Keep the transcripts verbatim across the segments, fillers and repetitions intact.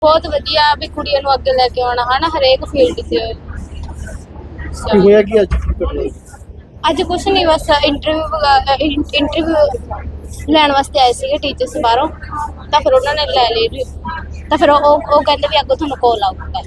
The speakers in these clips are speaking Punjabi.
बहुत वधिया भी कुड़ियों नूं अगे लेके आना है ना हरेक फील्ड से। ਕੀ ਹੋਇਆ ਕਿ ਅੱਜ ਕੀ ਘਟਨਾ ਹੋਈ? अज कुछ नहीं बस इंटरव्यू इंटरव्यू लैण वास्ते आए थे टीचर्स बाहरों तो फिर उन्होंने लै ली तो फिर वो वो कहते भी अगों तुहानूं कॉल आऊगा।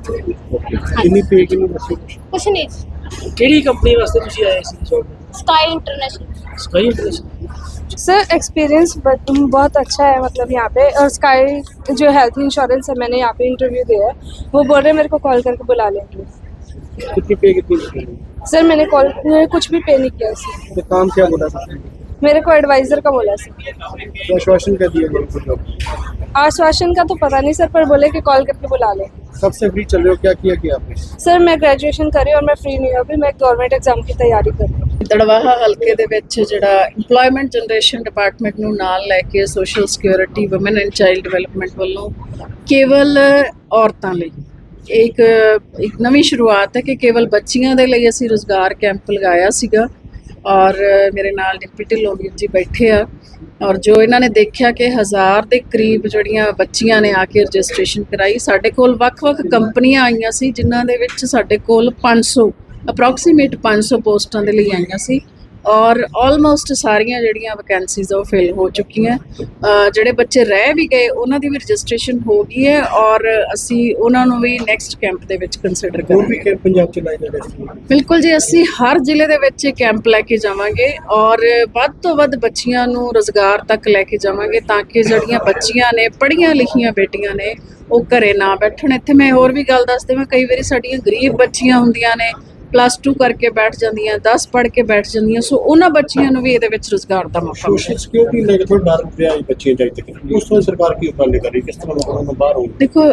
ਕਿੰਨੀ ਪੇ ਕਿੰਨੀ ਦੱਸੋ? कुछ नहीं ਕਿਹੜੀ ਕੰਪਨੀ ਵਾਸਤੇ ਤੁਸੀਂ ਆਏ ਸੀ job? Sky international. Sky international. Sir experience बहुत अच्छा है मतलब यहाँ पे, और स्काई जो हेल्थ इंश्योरेंस है मैंने यहाँ पे इंटरव्यू दिया है, वो बोल रहे हैं मेरे को कॉल करके बुला लेंगे। कितनी पे कितनी नहीं? सर मैंने कॉल मैंने कुछ भी पे नहीं किया सर, तो काम क्या बोला था? मेरे को एडवाइज़र का बोला सर। तो आश्वासन क्या दिया गया उनको? आश्वासन का तो पता नहीं सर, पर बोले कि कॉल करके बुला लें। सबसे फ्री चल रहे हो, क्या किया किया आपने? सर मैं ग्रेजुएशन करी और मैं फ्री नहीं हूँ अभी, मैं गवर्नमेंट एग्जाम की तैयारी कर रही हूँ। ਦੜਵਾਹਾ ਹਲਕੇ ਦੇ ਵਿੱਚ ਜਿਹੜਾ ਇੰਪਲੋਇਮੈਂਟ ਜਨਰੇਸ਼ਨ ਡਿਪਾਰਟਮੈਂਟ ਨੂੰ ਨਾਲ ਲੈ ਕੇ social security woman and child development ਵੱਲੋਂ ਕੇਵਲ ਔਰਤਾਂ ਲਈ ਇੱਕ ਇੱਕ ਨਵੀਂ ਸ਼ੁਰੂਆਤ ਹੈ ਕਿ ਕੇਵਲ ਬੱਚੀਆਂ ਦੇ ਲਈ ਅਸੀਂ ਰੁਜ਼ਗਾਰ ਕੈਂਪ ਲਗਾਇਆ ਸੀਗਾ। ਔਰ ਮੇਰੇ ਨਾਲ ਡਿਪਟੀ ਢਿੱਲੋਂ ਵੀਰ ਜੀ ਬੈਠੇ ਆ, ਔਰ ਜੋ ਇਹਨਾਂ ਨੇ ਦੇਖਿਆ ਕਿ ਹਜ਼ਾਰ ਦੇ ਕਰੀਬ ਜਿਹੜੀਆਂ ਬੱਚੀਆਂ ਨੇ ਆ ਕੇ ਰਜਿਸਟ੍ਰੇਸ਼ਨ ਕਰਾਈ। ਸਾਡੇ ਕੋਲ ਵੱਖ-ਵੱਖ ਕੰਪਨੀਆਂ ਆਈਆਂ ਸੀ ਜਿਨ੍ਹਾਂ ਦੇ ਵਿੱਚ ਸਾਡੇ ਕੋਲ ਪੰਜ ਸੌ ਅਪਰੋਕਸੀਮੇਟ ਪੰਜ ਸੌ ਪੋਸਟਾਂ ਦੇ ਲਈ ਆਈਆਂ ਸੀ, ਔਰ ਆਲਮੋਸਟ ਸਾਰੀਆਂ ਜਿਹੜੀਆਂ ਵੈਕੈਂਸੀਜ਼ ਉਹ ਫਿਲ ਹੋ ਚੁੱਕੀਆਂ। ਜਿਹੜੇ ਬੱਚੇ ਰਹਿ ਵੀ ਗਏ ਉਹਨਾਂ ਦੀ ਵੀ ਰਜਿਸਟ੍ਰੇਸ਼ਨ ਹੋ ਗਈ ਹੈ, ਔਰ ਅਸੀਂ ਉਹਨਾਂ ਨੂੰ ਵੀ ਨੈਕਸਟ ਕੈਂਪ ਦੇ ਵਿੱਚ ਕੰਸੀਡਰ ਹੋਰ ਕਰਾਂਗੇ। ਵੀ ਕੈਂਪ ਪੰਜਾਬ ਚ ਲਾਏ ਜਾ ਰਹੇ ਸੀ? ਬਿਲਕੁਲ ਜੀ, ਅਸੀਂ ਹਰ ਜ਼ਿਲ੍ਹੇ ਦੇ ਵਿੱਚ ਇਹ ਕੈਂਪ ਲੈ ਕੇ ਜਾਵਾਂਗੇ ਔਰ ਵੱਧ ਤੋਂ ਵੱਧ ਬੱਚੀਆਂ ਨੂੰ ਰੁਜ਼ਗਾਰ ਤੱਕ ਲੈ ਕੇ ਜਾਵਾਂਗੇ ਤਾਂ ਕਿ ਜਿਹੜੀਆਂ ਬੱਚੀਆਂ ਨੇ ਪੜ੍ਹੀਆਂ ਲਿਖੀਆਂ ਬੇਟੀਆਂ ਨੇ ਉਹ ਘਰੇ ਨਾ ਬੈਠਣ। ਇੱਥੇ ਮੈਂ ਹੋਰ ਵੀ ਗੱਲ ਦੱਸ ਦੇਵਾਂ, ਕਈ ਵਾਰੀ ਸਾਡੀਆਂ ਗਰੀਬ ਬੱਚੀਆਂ ਹੁੰਦੀਆਂ ਨੇ, ਪਲੱਸ ਟੂ ਕਰਕੇ ਬੈਠ ਜਾਂਦੀਆਂ, ਦਸ ਪੜ੍ਹ ਕੇ ਬੈਠ ਜਾਂਦੀਆਂ, ਸੋ ਉਹਨਾਂ ਬੱਚੀਆਂ ਨੂੰ ਵੀ ਇਹਦੇ ਵਿੱਚ ਰੁਜ਼ਗਾਰ ਦਾ ਮੌਕਾ ਮਿਲੇ। ਸੋਸ਼ਲ ਸਿਕਿਉਰਿਟੀ ਲੈ ਕੇ ਥੋੜਾ ਡਰ ਰਿਹਾ ਹੈ ਬੱਚੀਆਂ ਚਾਹੀਦੇ ਤੱਕ, ਉਸ ਤੋਂ ਸਰਕਾਰ ਕੀ ਉਪਰਾਲੇ ਕਰ ਰਹੀ, ਕਿਸ ਤਰ੍ਹਾਂ ਉਹਨਾਂ ਨੂੰ ਬਾਹਰ ਹੋਣ? ਦੇਖੋ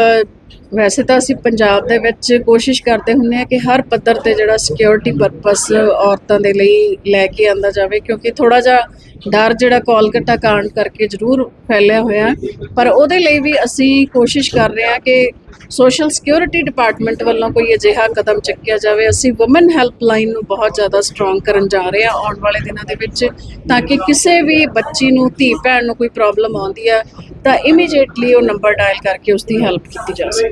ਵੈਸੇ ਤਾਂ ਅਸੀਂ ਪੰਜਾਬ ਦੇ ਵਿੱਚ ਕੋਸ਼ਿਸ਼ ਕਰਦੇ ਹੁੰਦੇ ਹਾਂ ਕਿ ਹਰ ਪੱਧਰ ਤੇ ਜਿਹੜਾ ਸਿਕਿਉਰਿਟੀ ਪਰਪਸ ਔਰਤਾਂ ਦੇ ਲਈ ਲੈ ਕੇ ਆਂਦਾ ਜਾਵੇ, ਕਿਉਂਕਿ ਥੋੜਾ ਜਿਹਾ ਡਰ ਜਿਹੜਾ ਕੋਲਕਾਤਾ ਕਾਂਡ ਕਰਕੇ ਜ਼ਰੂਰ ਫੈਲਿਆ ਹੋਇਆ, ਪਰ ਉਹਦੇ ਲਈ ਵੀ ਅਸੀਂ ਕੋਸ਼ਿਸ਼ ਕਰ ਰਹੇ ਹਾਂ ਕਿ ਸੋਸ਼ਲ ਸਿਕਿਉਰਿਟੀ ਡਿਪਾਰਟਮੈਂਟ ਵੱਲੋਂ ਕੋਈ ਅਜਿਹਾ ਕਦਮ ਚੱਕਿਆ ਜਾਵੇ। ਅਸੀਂ ਵੂਮਨ ਹੈਲਪਲਾਈਨ ਨੂੰ ਬਹੁਤ ਜ਼ਿਆਦਾ ਸਟਰੋਂਗ ਕਰਨ ਜਾ ਰਹੇ ਹਾਂ ਆਉਣ ਵਾਲੇ ਦਿਨਾਂ ਦੇ ਵਿੱਚ, ਤਾਂ ਕਿ ਕਿਸੇ ਵੀ ਬੱਚੀ ਨੂੰ, ਧੀ ਭੈਣ ਨੂੰ ਕੋਈ ਪ੍ਰੋਬਲਮ ਆਉਂਦੀ ਹੈ ਤਾਂ ਇਮੀਡੀਏਟਲੀ ਉਹ ਨੰਬਰ ਡਾਇਲ ਕਰਕੇ ਉਸ ਦੀ ਹੈਲਪ ਕੀਤੀ ਜਾ ਸਕੇ।